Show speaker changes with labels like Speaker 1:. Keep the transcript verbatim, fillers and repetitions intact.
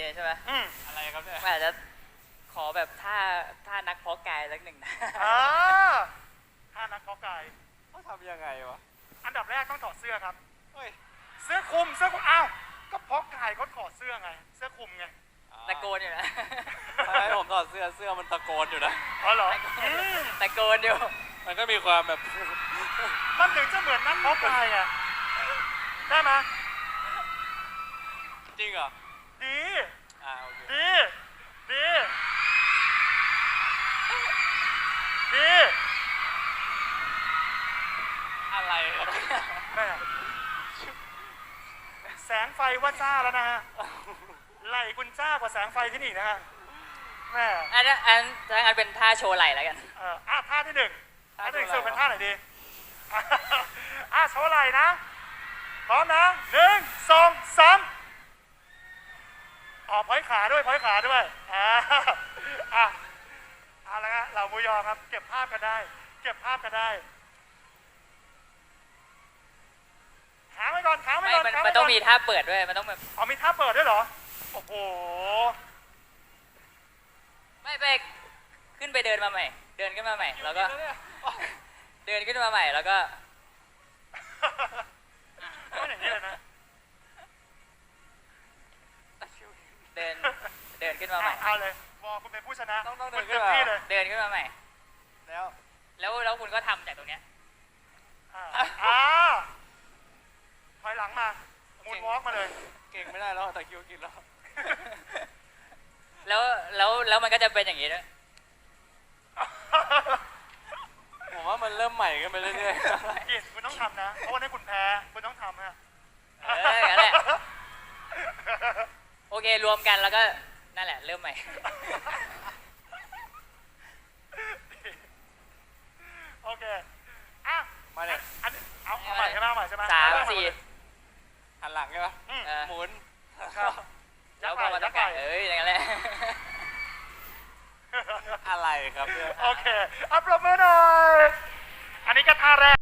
Speaker 1: ใช่ไหม
Speaker 2: อะไรครับเนี่ย
Speaker 1: อาจจะขอแบบท่าท่านักเพาะกายสักหนึ่งนะ
Speaker 3: อ่าท่านักเพาะกาย
Speaker 2: เขาทำยังไงวะ
Speaker 3: อันดับแรกต้องถอดเสื้อครับ
Speaker 2: เฮ้ย
Speaker 3: เสื้อคลุมเสื้อคลุมอ้าวก็เพาะกายเขาถอดเสื้อไงเสื้อคลุมไง
Speaker 1: ตะโกนอยู่นะ
Speaker 2: ให้ผมถอดเสื้อเสื้อมันตะโกนอยู่นะ
Speaker 3: อ๋อเหรอ
Speaker 1: ตะโกนอยู่
Speaker 2: มันก็มีความแบบ
Speaker 3: มันถึงจะเหมือนนักเพาะกายอ่ะได้ไหม
Speaker 2: จริงเหรอ
Speaker 3: ดี
Speaker 2: อ่าโอเค
Speaker 3: ดีดีดี
Speaker 2: อะไรครับ
Speaker 3: แม่แสงไฟว่าจ้าแล้วนะฮะไหลคุณจ้ากว่าแสงไฟที่นี่นะฮะแม่
Speaker 1: อันนั้นอันนั้นเป็นท่าโชว์ไหล่แล้วกัน
Speaker 3: เอออ่ะท่าที่หนึ่งท่าที่หนึ่งสุดเป็นท่าไหนดีอ่ะโชว์ไหล่นะพร้อมนะหนึ่งสองสามออกพ้อยขาด้วยพ้อยขาด้วยอ่าอ่ะเอาละฮะเรามูยอครับเก็บภาพกันได้เก็บภาพกันได้ค้างไว้ก่อนค้างไว้ก่อน
Speaker 1: มันมันต้องมีท่าเปิดด้วยมันต้องแบบ
Speaker 3: อ๋อมีท่าเปิดด้วยเหรอโอ้โห
Speaker 1: ไม่ไปขึ้นไปเดินมาใหม่เดินขึ้นมาใหม่แล้วก็เดินขึ้นมาใหม่แล้วก็
Speaker 3: ไม่อย่างนี้เลยนะ
Speaker 1: เดินเดินขึ้นมาใหม่
Speaker 3: เอาเลยวอคุณเป็นผู้ชนะ
Speaker 2: ต้องต้องเดิน
Speaker 3: ขึ้นมาเลย
Speaker 1: เดินขึ้นมาใหม่
Speaker 2: แล้ว
Speaker 1: แล้วแล้วคุณก็ทำจากตรงเนี้ย
Speaker 3: อ่าถอยหลังมามูนวอล์กมาเลย
Speaker 2: เก่งไม่ได้แล้วตะคิวกินแล้ว
Speaker 1: แล้วแล้วแล้วมันก็จะเป็นอย่างนี้ด้วย
Speaker 2: ผมว่ามันเริ่มใหม่กันไปเรื่อย
Speaker 3: ๆกินคุณต้องทำนะเพราะวันนี้คุณแพ้คุณต้องทำฮะ
Speaker 1: เออนั่นแหละโอเครวมกันแล้วก็นั่นแหละเริ่มใหม่
Speaker 3: โอเคอ่ะ
Speaker 2: มาเลย
Speaker 3: อันเอาเอาใหม่ใช่ไหมเอาใหม่ใช่ไหม
Speaker 1: สามสี่
Speaker 2: หันหลังใช่ปะหมุน
Speaker 1: แล้วพอมาตั้งแต่เอ้ยอย่างนั้นแหละ
Speaker 2: อะไรครับเนี่ย
Speaker 3: โอเคอัปโหลดมือหน่อยอันนี้ก็ท่าแรก